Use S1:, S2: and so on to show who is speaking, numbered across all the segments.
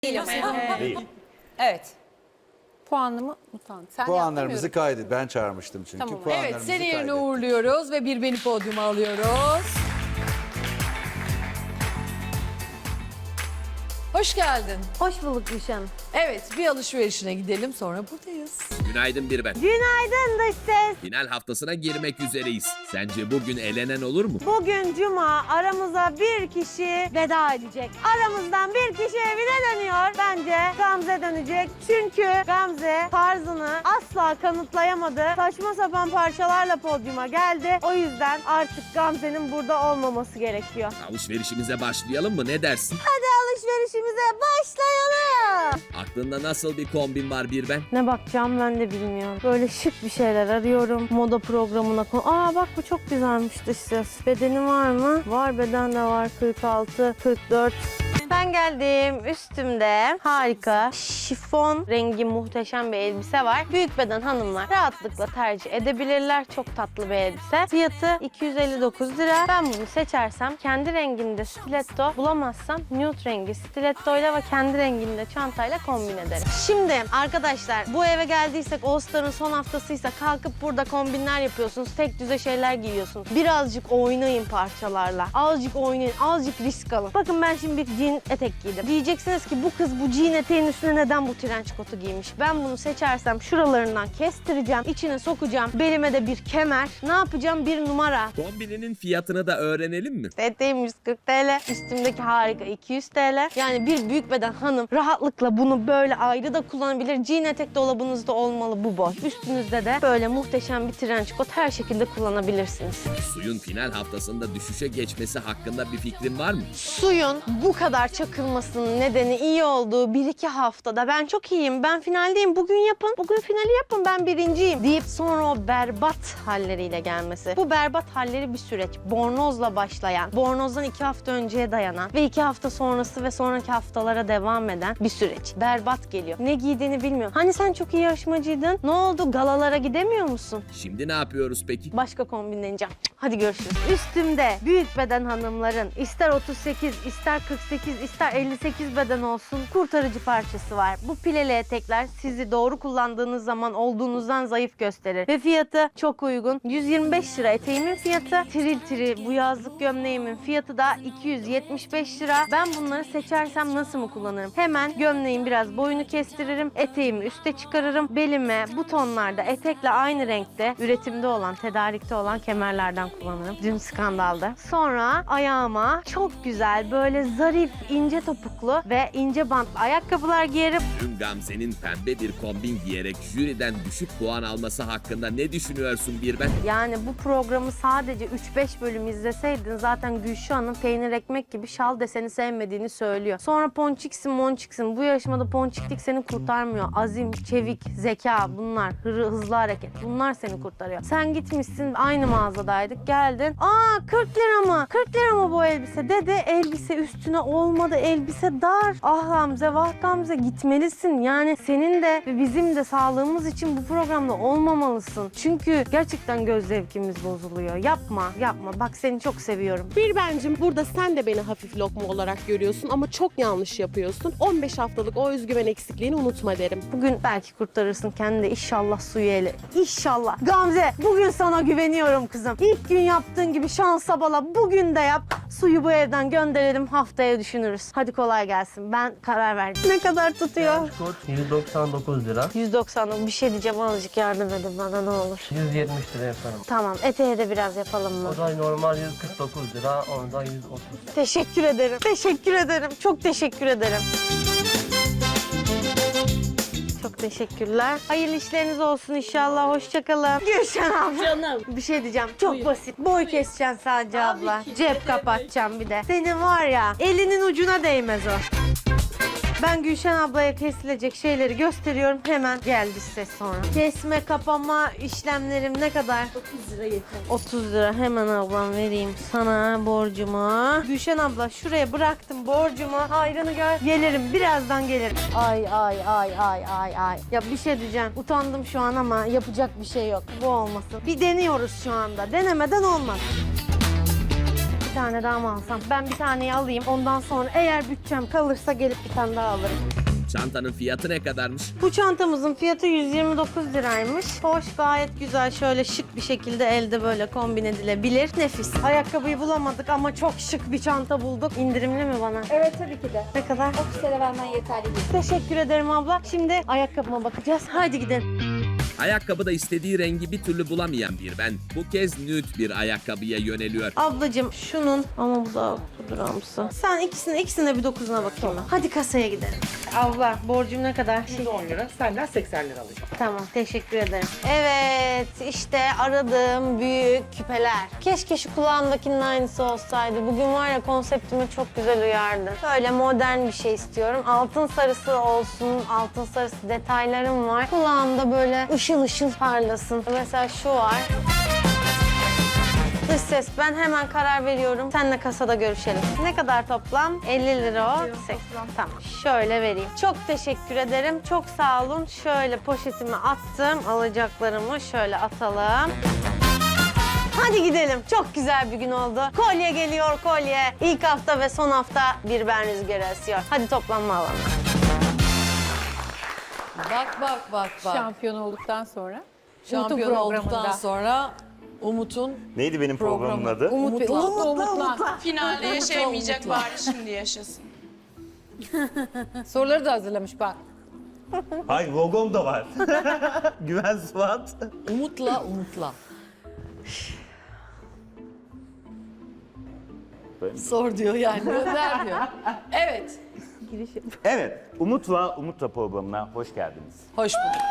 S1: Değil ama.
S2: Değil.
S1: Evet. Puanımı utan. Sen
S2: Puanlarımızı
S1: yaptın mı?
S2: kaydet. Ben çağırmıştım çünkü.
S1: Tamam.
S2: Puanlarımızı
S1: Evet, seni yerine
S2: kaydettik.
S1: uğurluyoruz ve bir beni podyuma alıyoruz. Hoş geldin.
S3: Hoş bulduk Gülşen.
S1: Evet, bir alışverişine gidelim sonra buradayız.
S4: Günaydın bir ben.
S3: Günaydın dış ses.
S4: Final haftasına girmek üzereyiz. Sence bugün elenen olur mu?
S3: Bugün cuma, aramıza bir kişi veda edecek. Aramızdan bir kişi evine dönüyor. Bence Gamze dönecek. Çünkü Gamze tarzını asla kanıtlayamadı. Saçma sapan parçalarla podyuma geldi. O yüzden artık Gamze'nin burada olmaması gerekiyor.
S4: Alışverişimize başlayalım mı? Ne dersin?
S3: Hadi alışverişimize başlayalım.
S4: Aklında nasıl bir kombin var bir ben?
S3: Ne bakacağım ben de bilmiyorum. Böyle şık bir şeyler arıyorum. Moda programına Aa bak bu çok güzelmiş dış ses. Bedeni var mı? Var, beden de var. 46, 44. Ben geldim. Üstümde harika şifon rengi muhteşem bir elbise var. Büyük beden hanımlar rahatlıkla tercih edebilirler. Çok tatlı bir elbise. Fiyatı 259 lira. Ben bunu seçersem kendi renginde stiletto bulamazsam nude rengi stilettoyla ve kendi renginde çantayla kombin ederim. Şimdi arkadaşlar bu eve geldiysek All Star'ın son haftasıysa kalkıp burada kombinler yapıyorsunuz. Tek düze şeyler giyiyorsunuz. Birazcık oynayın parçalarla. Azıcık oynayın. Azıcık risk alın. Bakın ben şimdi bir jean etek giydim. Diyeceksiniz ki bu kız bu jean eteğin üstüne neden bu trenç kotu giymiş? Ben bunu seçersem şuralarından kestireceğim. İçine sokacağım. Belime de bir kemer. Ne yapacağım? Bir numara.
S4: Kombininin fiyatını da öğrenelim mi?
S3: Eteğim 140 TL. Üstümdeki harika 200 TL. Yani bir büyük beden hanım rahatlıkla bunu böyle ayrı da kullanabilir. Jean etek dolabınızda olmalı bu boy. Üstünüzde de böyle muhteşem bir trenç kot her şekilde kullanabilirsiniz.
S4: Suyun final haftasında düşüşe geçmesi hakkında bir fikrin var mı?
S3: Suyun bu kadar çakılmasının nedeni iyi olduğu 1-2 haftada ben çok iyiyim, ben finaldeyim, bugün yapın, bugün finali yapın, ben birinciyim deyip sonra o berbat halleriyle gelmesi. Bu berbat halleri bir süreç. Bornozla başlayan, bornozdan 2 hafta önceye dayanan ve 2 hafta sonrası ve sonraki haftalara devam eden bir süreç. Berbat geliyor. Ne giydiğini bilmiyorum. Hani sen çok iyi yarışmacıydın. Ne oldu? Galalara gidemiyor musun?
S4: Şimdi ne yapıyoruz peki?
S3: Başka kombinleneceğim. Hadi görüşürüz. Üstümde büyük beden hanımların ister 38, ister 48, ister 58 beden olsun kurtarıcı parçası var. Bu pileli etekler sizi doğru kullandığınız zaman olduğunuzdan zayıf gösterir. Ve fiyatı çok uygun. 125 lira eteğimin fiyatı. Tiril tiril bu yazlık gömleğimin fiyatı da 275 lira. Ben bunları seçersem nasıl mı kullanırım? Hemen gömleğin biraz boyunu kestiririm. Eteğimi üste çıkarırım. Belime bu tonlarda etekle aynı renkte üretimde olan, tedarikte olan kemerlerden kullanırım. Dün skandalda. Sonra ayağıma çok güzel böyle zarif, ince topuklu ve ince bantlı ayakkabılar giyerim.
S4: Dün Gamze'nin pembe bir kombin giyerek jüriden düşük puan alması hakkında ne düşünüyorsun bir ben?
S3: Yani bu programı sadece 3-5 bölüm izleseydin zaten Gülşah'ın peynir ekmek gibi şal deseni sevmediğini söylüyor. Sonra ponçiksin monçiksin. Bu yarışmada ponçiklik seni kurtarmıyor. Azim, çevik, zeka bunlar. Hızlı hareket. Bunlar seni kurtarıyor. Sen gitmişsin aynı mağazadaydık. Geldin. Aa 40 lira mı? 40 lira mı bu elbise? Dedi elbise üstüne olmadı. Elbise dar. Ah Gamze vah Gamze gitmelisin. Yani senin de ve bizim de sağlığımız için bu programda olmamalısın. Çünkü gerçekten göz zevkimiz bozuluyor. Yapma yapma. Bak seni çok seviyorum.
S5: Bir bencim burada sen de beni hafif lokma olarak görüyorsun ama çok yanlış yapıyorsun. 15 haftalık o özgüven eksikliğini unutma derim.
S3: Bugün belki kurtarırsın kendini de inşallah suyu ele. İnşallah. Gamze bugün sana güveniyorum kızım. İlk gün yaptığın gibi şansa bala bugün de yap. Suyu bu evden gönderelim haftaya düşünürüz. Hadi kolay gelsin. Ben karar verdim. Ne kadar tutuyor?
S6: Kod 199 lira.
S3: 190. Bir şey diyeceğim azıcık yardım edin bana ne olur.
S6: 170 lira yaparım.
S3: Tamam eteğe de biraz yapalım mı?
S6: O da normal 149 lira, onu da 130.
S3: Teşekkür ederim. Teşekkür ederim. Çok teşekkür ederim. Çok teşekkürler. Hayırlı işleriniz olsun inşallah. Hoşça kalın. Gülşen abla.
S5: Canım.
S3: Bir şey diyeceğim. Çok basit. Boy keseceksin sadece abla. Cep kapatacağım bir de. Senin var ya elinin ucuna değmez o. Ben Gülşen ablaya kesilecek şeyleri gösteriyorum. Hemen geldi ses sonra. Kesme, kapama işlemlerim ne kadar?
S5: 30 lira yeter.
S3: 30 lira hemen ablam vereyim sana borcumu. Gülşen abla şuraya bıraktım borcumu. Hayrını gör. Gelirim birazdan gelirim. Ay ay ay ay ay ay. Ya bir şey diyeceğim. Utandım şu an ama yapacak bir şey yok. Bu olmasın. Bir deniyoruz şu anda. Denemeden olmaz. Bir tane daha mı alsam? Ben bir taneyi alayım. Ondan sonra eğer bütçem kalırsa gelip bir tane daha alırım.
S4: Çantanın fiyatı ne kadarmış?
S3: Bu çantamızın fiyatı 129 liraymış. Hoş, gayet güzel. Şöyle şık bir şekilde elde böyle kombin edilebilir. Nefis. Ayakkabıyı bulamadık ama çok şık bir çanta bulduk. İndirimli mi bana?
S2: Evet tabii ki de.
S3: Ne kadar?
S2: 30 TL vermen yeterli değil.
S3: Teşekkür ederim abla. Şimdi ayakkabıma bakacağız. Hadi gidelim.
S4: Ayakkabıda istediği rengi bir türlü bulamayan bir ben bu kez nude bir ayakkabıya yöneliyor.
S3: Ablacığım şunun ama bu da pudramsı. Sen ikisine bir dokuzuna bakayım ben. Hadi kasaya gidelim. Abla borcum ne kadar?
S7: 10 lira, senden 80 lira alacağım.
S3: Tamam, teşekkür ederim. Evet, işte aradığım büyük küpeler. Keşke şu kulağımdakinin aynısı olsaydı. Bugün var ya konseptime çok güzel uyardı. Böyle modern bir şey istiyorum. Altın sarısı olsun, altın sarısı detaylarım var. Kulağımda böyle ışıl ışıl parlasın. Mesela şu var. Dış ses, ben hemen karar veriyorum. Seninle kasada görüşelim. Ne kadar toplam? 50 lira o. 80. Tamam. Şöyle vereyim. Çok teşekkür ederim. Çok sağ olun. Şöyle poşetimi attım. Alacaklarımı şöyle atalım. Hadi gidelim. Çok güzel bir gün oldu. Kolye geliyor, kolye. İlk hafta ve son hafta bir ben rüzgarı esiyor. Hadi toplanma alanına.
S1: Bak.
S8: Şampiyon olduktan sonra.
S1: Şampiyon
S8: Umut'un
S1: olduktan
S8: programında.
S1: sonra Umut'un
S9: Neydi benim programımın adı?
S1: Umut'la.
S10: Finalde yaşayamayacak bari şimdi yaşasın.
S8: Soruları da hazırlamış bak.
S9: Hayır, logom da var. Güven Suat.
S1: Umut'la. Sor diyor yani. Gönder diyor. Evet.
S9: Evet, Umut'la programına hoş geldiniz.
S1: Hoş bulduk.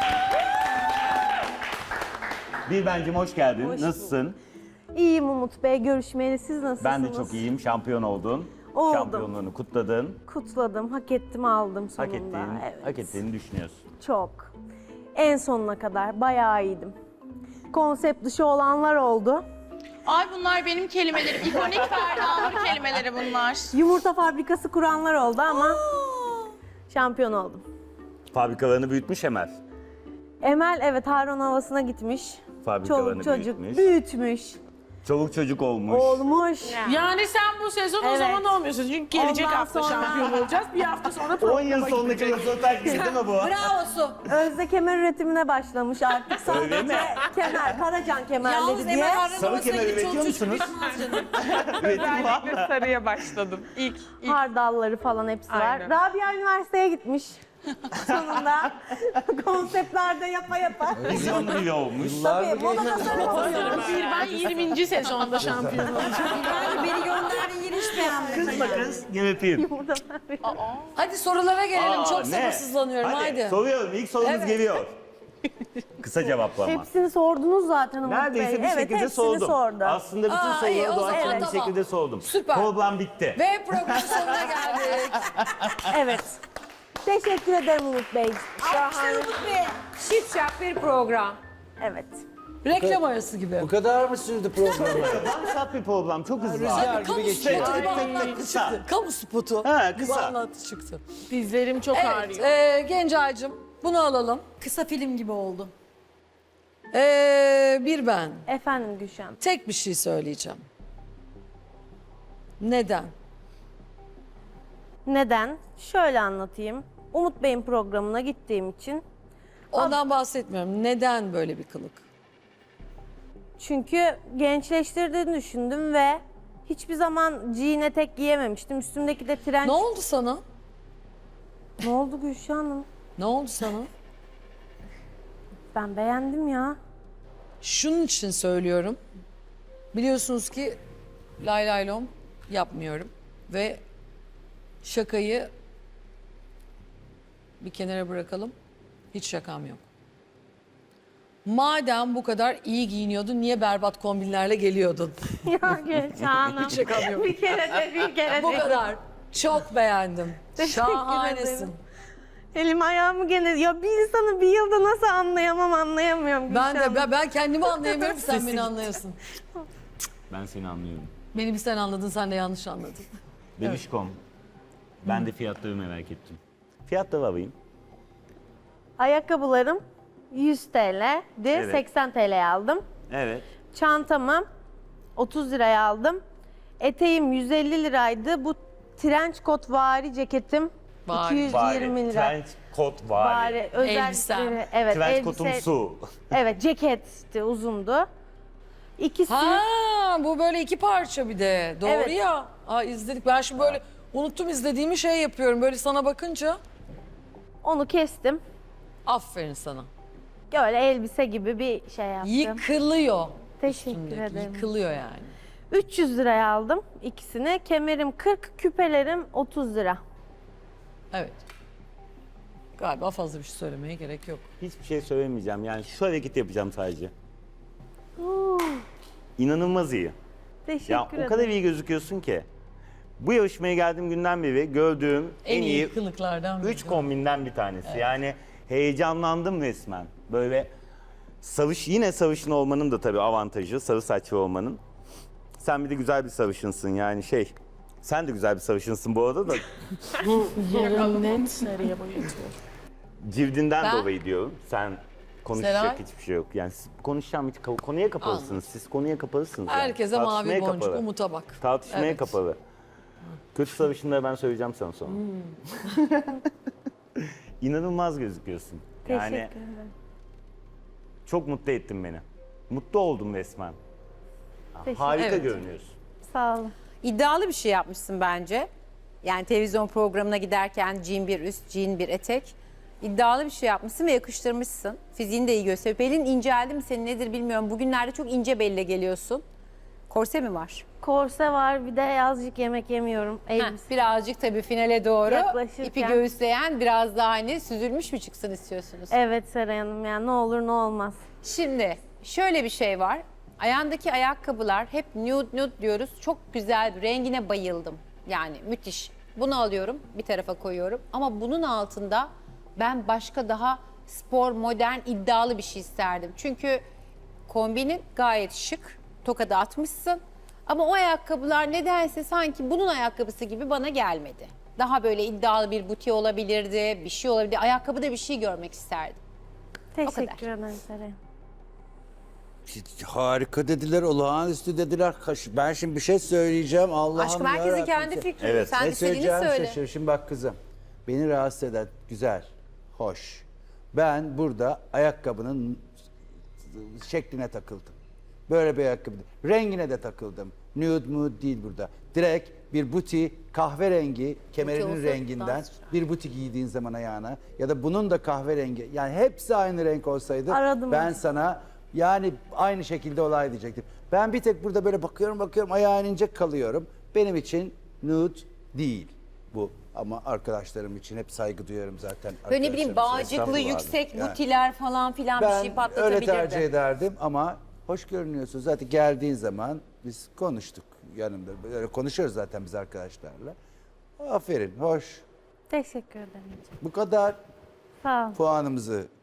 S9: Bir bencim hoş geldin. Nasılsın?
S3: İyiyim Umut Bey. Görüşmeyeli. Siz nasılsınız?
S9: Ben de çok iyiyim. Şampiyon oldun.
S3: Oldum.
S9: Şampiyonluğunu kutladın.
S3: Kutladım. Hak ettim, aldım sonunda. Evet.
S9: Hak ettiğini düşünüyorsun.
S3: Çok. En sonuna kadar bayağı iyiydim. Konsept dışı olanlar oldu.
S10: Ay bunlar benim kelimelerim. İkonik Ferda Nur kelimeleri bunlar.
S3: Yumurta fabrikası kuranlar oldu ama şampiyon oldum.
S9: Fabrikalarını büyütmüş Emel.
S3: Emel evet Harun havasına gitmiş.
S9: Fabrikalarını
S3: Çoluk çocuk
S9: büyütmüş.
S3: büyütmüş.
S9: Çoluk çocuk olmuş.
S3: Olmuş.
S10: Yani sen bu sezon
S3: Evet.
S10: o zaman olmuyorsun. Çünkü gelecek
S3: Ondan
S10: hafta
S3: sonra-
S10: şampiyon olacağız. Bir hafta sonra
S9: 10 yıl sonundaki röportaj gibi değil mi bu?
S1: Bravo Su.
S3: Özde kemer üretimine başlamış artık.
S9: Öyle mi?
S3: Sadece kemer, Karacan kemerleri
S1: Yalnız
S3: diye.
S1: Emel Harun
S9: Sarı
S1: Havası'na
S9: kemer
S1: gidip
S9: üretiyor
S1: çoluk çocuk
S9: musunuz?
S1: büyütmez canım.
S9: Üretim var mı?
S10: sarıya başladım. İlk.
S3: Hardalları falan hepsi
S10: Aynen.
S3: var. Rabia üniversiteye gitmiş. Sonunda konseptlerde yapa yapa.
S9: Vizyon bile olmuş.
S3: Tabii moda tasarım oluyor.
S10: Ben 20. sezonda şampiyon olacağım.
S1: Beni gönderdi yine hiç beğenmedim.
S9: Kızma kız, gel öpeyim.
S1: Hadi sorulara gelelim. Çok
S9: ne?
S1: sabırsızlanıyorum. Haydi.
S9: Soruyorum, ilk sorumuz
S1: Evet.
S9: geliyor. Kısa cevaplama.
S3: Hepsini sordunuz zaten Umut Bey.
S9: Neredeyse bir
S3: Evet,
S9: şekilde
S3: hepsini
S9: sordum.
S3: sordu.
S9: Aslında bütün
S1: Aa, iyi,
S9: soruları
S1: o zaman
S9: doğaçlama bir
S1: tamam.
S9: şekilde sordum.
S1: Süper.
S9: Program bitti.
S1: Ve programın sonuna geldik.
S3: Evet. Teşekkür ederim Umut Bey. Şahane.
S8: Şipşak bir program.
S3: Evet.
S1: Reklam arası gibi.
S11: Bu kadar mı sürdü program?
S9: Damsat bir program, çok hızlı.
S11: Rüzgar gibi
S1: Kamu
S11: geçiyor.
S1: spotu gibi anlattı
S9: Kısa.
S1: çıktı. Kamu spotu
S9: Ha,
S1: gibi
S9: kısa.
S1: anlattı çıktı.
S10: Dizlerim çok
S1: Evet,
S10: ağrıyor.
S1: Gencay'cığım bunu alalım. Kısa film gibi oldu. Bir ben.
S3: Efendim Gülşen.
S1: Tek bir şey söyleyeceğim. Neden?
S3: Neden? Şöyle anlatayım. Umut Bey'in programına gittiğim için.
S1: Ondan bahsetmiyorum. Neden böyle bir kılık?
S3: Çünkü gençleştirdiğini düşündüm ve hiçbir zaman jean etek giyememiştim. Üstümdeki de trenç.
S1: Ne oldu sana?
S3: Ne oldu Gülşen Hanım?
S1: Ne oldu sana?
S3: Ben beğendim ya.
S1: Şunun için söylüyorum. Biliyorsunuz ki lay lay lom yapmıyorum. Ve şakayı bir kenara bırakalım. Hiç şakam yok. Madem bu kadar iyi giyiniyordun, niye berbat kombinlerle geliyordun?
S3: Ya Gülşen Hanım.
S1: Hiç şakam yok.
S3: Bir kere de bir kere
S1: Bu
S3: de.
S1: kadar. Çok beğendim.
S3: Teşekkür
S1: Şahanesin.
S3: ederim. Elim ayağımı gene... Ya bir insanı bir yılda nasıl anlayamıyorum
S1: Ben
S3: Gülşen.
S1: de ben kendimi anlayamıyorum ki sen beni anlayasın.
S9: Ben seni anlıyorum.
S1: Beni bir sen anladın, sen de yanlış anladın.
S9: Bebişkom. Ben de fiyatları merak ettim. Fiyatları alayım.
S3: Ayakkabılarım 100 TL'di.
S9: Evet.
S3: 80 TL'ye aldım.
S9: Evet.
S3: Çantamı 30 liraya aldım. Eteğim 150 liraydı. Bu trench coat vari ceketim
S1: Vari.
S3: 220 lira.
S9: Trench coat var.
S3: Özellikleri.
S1: Elbisem.
S3: Evet,
S9: Trench coat'um su.
S3: Evet, ceket işte uzundu. İkisi
S1: Ha, bu böyle iki parça bir de. Doğru
S3: Evet.
S1: ya. Aa, izledik. Ben şimdi böyle unuttum izlediğimi şey yapıyorum. Böyle sana bakınca
S3: onu kestim.
S1: aferin sana.
S3: Böyle elbise gibi bir şey yaptım.
S1: Yıkılıyor.
S3: Teşekkür
S1: Üstündeki,
S3: ederim.
S1: Yıkılıyor yani.
S3: 300 liraya aldım ikisini. Kemerim 40, küpelerim 30 lira.
S1: Evet. Galiba fazla bir şey söylemeye gerek yok.
S9: Hiçbir şey söylemeyeceğim. Yani şu hareketi yapacağım sadece. İnanılmaz iyi.
S3: Teşekkür
S9: Ya
S3: ederim.
S9: o kadar iyi gözüküyorsun ki. Bu yarışmaya geldiğim günden beri gördüğüm en iyi
S1: kılıklardan
S9: 3 kombinden bir tanesi. Yani heyecanlandım resmen. Böyle yine sarışın olmanın da tabii avantajı, sarı saçlı olmanın. Sen bir de güzel bir sarışınsın yani sen de güzel bir sarışınsın bu arada da cildinden
S1: Ben-
S9: dolayı diyorum. Sen konuşacak
S1: Seray?
S9: hiçbir şey yok. Yani siz konuşacağım hiç konuya kapalısınız. Siz konuya kapalısınız. yani.
S1: Herkese mavi
S9: Tartışmaya
S1: boncuk,
S9: kapalı.
S1: Umut'a bak.
S9: Tartışmaya
S1: Evet.
S9: kapalı. Kötü sarışınları ben söyleyeceğim sana sonra. İnanılmaz gözüküyorsun.
S3: Teşekkür
S9: Yani
S3: ederim.
S9: çok mutlu ettin beni. Mutlu oldum resmen. Harika
S1: Evet.
S9: görünüyorsun.
S3: Sağ olun.
S8: İddialı bir şey yapmışsın bence. Yani televizyon programına giderken jean bir üst, jean bir etek. İddialı bir şey yapmışsın ve yakıştırmışsın. Fiziğini de iyi gösteriyor. Belin inceldi mi senin nedir bilmiyorum. Bugünlerde çok ince belle geliyorsun. Korse mi var?
S3: Korse var, bir de azıcık yemek yemiyorum. Elbise.
S8: Birazcık tabii finale doğru
S3: Yaklaşırken.
S8: ipi göğüsleyen biraz daha hani süzülmüş mü çıksın istiyorsunuz?
S3: Evet Seray Hanım, yani ne olur ne olmaz.
S8: Şimdi şöyle bir şey var. Ayağındaki ayakkabılar hep nude diyoruz. Çok güzel, rengine bayıldım. Yani müthiş. Bunu alıyorum, bir tarafa koyuyorum. Ama bunun altında ben başka daha spor, modern, iddialı bir şey isterdim. Çünkü kombinin gayet şık. Tokada atmışsın. Ama o ayakkabılar nedense sanki bunun ayakkabısı gibi bana gelmedi. Daha böyle iddialı bir buti olabilirdi, bir şey olabilirdi. Ayakkabıda bir şey görmek isterdim.
S3: Teşekkür ederim Seray Hanım.
S11: Harika dediler, olağanüstü dediler. Ben şimdi bir şey söyleyeceğim. Allah'ım
S8: Aşkım herkesin
S11: yarabbim.
S8: kendi fikri.
S9: Evet.
S8: Sen
S11: Ne
S8: istediğini
S11: söyleyeceğim
S8: söyle.
S11: şaşır. Şimdi bak kızım. Beni rahatsız eden güzel, hoş. Ben burada ayakkabının şekline takıldım. Böyle bir ayakkabı. Rengine de takıldım. Nude değil burada. Direkt bir buti kahverengi kemerinin
S8: olsa
S11: renginden
S8: daha sıcak.
S11: bir buti giydiğin zaman ayağına ya da bunun da kahverengi, yani hepsi aynı renk olsaydı
S3: Aradım
S11: ben
S3: onu.
S11: sana yani aynı şekilde olay diyecektim. Ben bir tek burada böyle bakıyorum ayağın ince kalıyorum. Benim için nude değil bu. Ama arkadaşlarım için hep saygı duyuyorum zaten.
S8: Böyle ne bileyim
S11: Arkadaşlarım için.
S8: bağcıklı,
S11: Estağfurullah.
S8: yüksek
S11: Yani
S8: butiler falan filan bir
S11: ben
S8: şey patlatabilirdi.
S11: öyle tercih ederdim ama hoş görünüyorsun. Zaten geldiğin zaman biz konuştuk yanımda. Böyle konuşuyoruz zaten biz arkadaşlarla. Aferin, hoş.
S3: Teşekkür ederim.
S11: Bu kadar
S3: Sağ olun.
S11: puanımızı